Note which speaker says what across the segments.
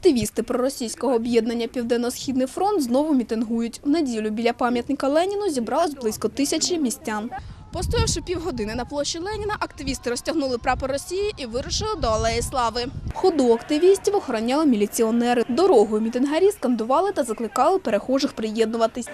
Speaker 1: Активісти проросійського об'єднання «Південно-Східний фронт» знову мітингують. В неділю біля пам'ятника Леніну зібралось близько 1000 містян. Постоявши півгодини на площі Леніна, активісти розтягнули прапор Росії і вирушили до Алеї Слави. Ходу активістів охороняли міліціонери. Дорогою мітингарі скандували та закликали перехожих приєднуватись.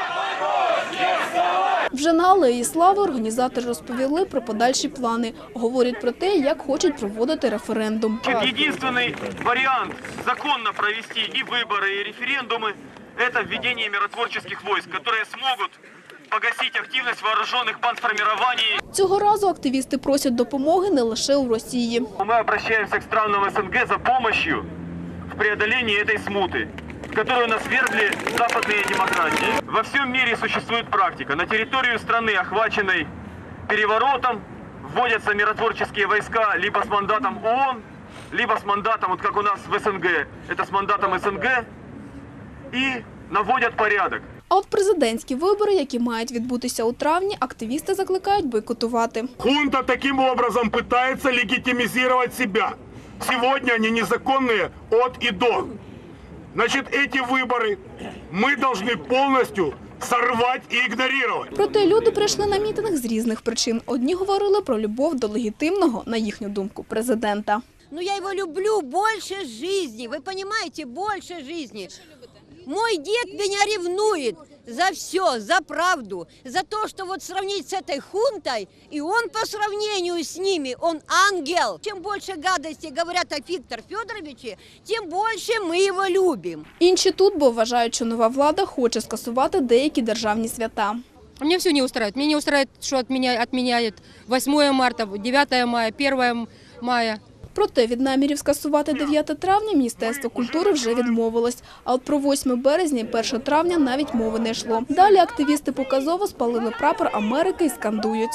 Speaker 1: Вже на Алеї Слави організатори розповіли про подальші плани. Говорять про те, як хочуть проводити референдум.
Speaker 2: Єдиний варіант законно провести і вибори, і референдуми – це введення миротворчих військ, які зможуть погасити активність вооружених бандформувань.
Speaker 1: Цього разу активісти просять допомоги не лише у Росії.
Speaker 2: Ми звертаємося к странам СНГ за допомогою в преодолении цієї смути, в которую нас вергли западные демократии. Во всем мире существует практика. На территорию страны, охваченной переворотом, вводятся миротворческие войска либо с мандатом ООН, либо с мандатом, вот как у нас в СНГ, это с мандатом СНГ, и наводят порядок.
Speaker 1: А от президентські вибори, які мають відбутися у травні, активісти закликають бойкотувати.
Speaker 3: Хунта таким образом пытается легитимизировать себя. Сегодня они незаконные от и до. Значит, эти выборы мы должны полностью сорвать и игнорировать.
Speaker 1: Проте люди прийшли на мітинг з різних причин. Одні говорили про любов до легітимного, на їхню думку, президента.
Speaker 4: Ну я его люблю больше жизни, вы понимаете, больше жизни. Мой дед меня ревнует за все, за правду, за то, что вот сравнить с этой хунтой, и он по сравнению с ними, он ангел. Чем больше гадостей говорят о Викторе Федоровиче, тем больше мы его любим.
Speaker 1: Інші тут, бо вважають, що нова влада хоче скасувати деякі державні свята.
Speaker 5: Мне все не устраивает. Мне не устраивает, что отменяет 8 марта, 9 мая, 1 мая.
Speaker 1: Проте від намірів скасувати 9 травня Міністерство культури вже відмовилось. А от про 8 березня і 1 травня навіть мови не йшло. Далі активісти показово спалили прапор Америки і скандують.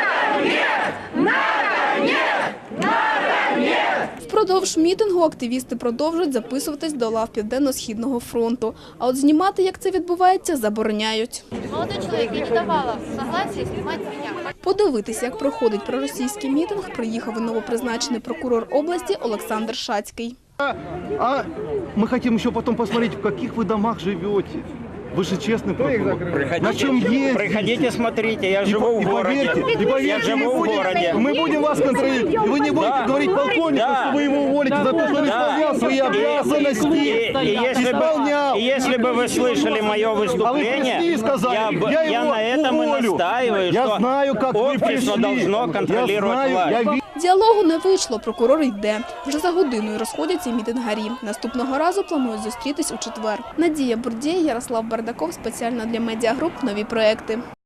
Speaker 1: Впродовж мітингу активісти продовжують записуватись до лав Південно-Східного фронту. А от знімати, як це відбувається, забороняють.
Speaker 6: Молодой человек, я не давала согласия снимать меня.
Speaker 1: Подивитися, як проходить проросійський мітинг, приїхав і новопризначений прокурор області Олександр Шацький.
Speaker 7: А мы хотим еще потом посмотреть, в каких вы домах живете. Вы же честный прокурор. На чем ездите?
Speaker 8: Приходите, смотрите, я живу в городе. Я живу в городе.
Speaker 7: Мы будем вас контролировать. И вы не будете говорить полковнику, что вы его уволите за то, что он исполнял свои обязанности.
Speaker 8: Если бы вы слышали мое выступление, я на этом и настаиваю, что общество должно контролировать власть.
Speaker 1: Діалогу не вийшло, прокурор йде. Вже за годиною розходяться мітингарі. Наступного разу планують зустрітись у четвер. Надія Бурдєй, Ярослав Бардаков, спеціально для медіагруп «Нові проекти».